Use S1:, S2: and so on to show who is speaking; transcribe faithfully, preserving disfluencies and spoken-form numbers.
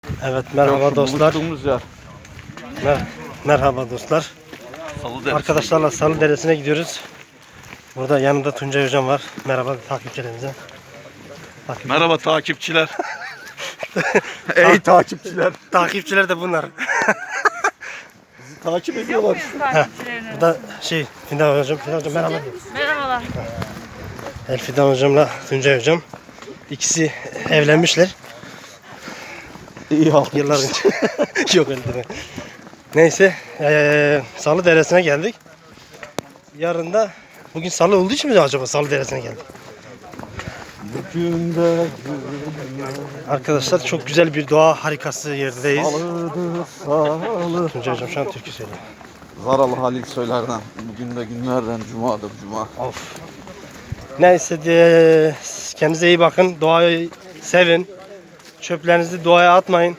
S1: Evet, merhaba dostlar.
S2: Yer.
S1: Mer merhaba dostlar.
S2: Salı
S1: Arkadaşlarla Salı Deresi'ne gidiyoruz. Burada yanımda Tuncay hocam var. Merhaba takipçilerimize. Takip
S2: Merhaba takipçiler. Ey takipçiler.
S1: Takipçiler de bunlar.
S2: Bizi takip ediyorlar.
S3: Takipçilerine.
S1: Burada şey Fidan hocam, Fidan hocam merhaba.
S3: Merhabalar.
S1: El Fidan hocamla Tuncay hocam. İkisi evlenmişler.
S2: İyi halk.
S1: Yıllar önce. Yok öyle deme. Neyse, ee, Salı Deresi'ne geldik. Yarın da bugün Salı olduğu için mi acaba Salı Deresi'ne geldik?
S2: Bugün de
S1: Arkadaşlar çok güzel bir doğa harikası yerdeyiz.
S2: salıdır salı.
S1: Tuncay hocam şu an türkü söylüyor.
S2: Zaralı Halil söylerden. Bugün de günlerden cumadır cuma.
S1: Of. Neyse de kendinize iyi bakın. Doğayı sevin. Çöplerinizi doğaya atmayın.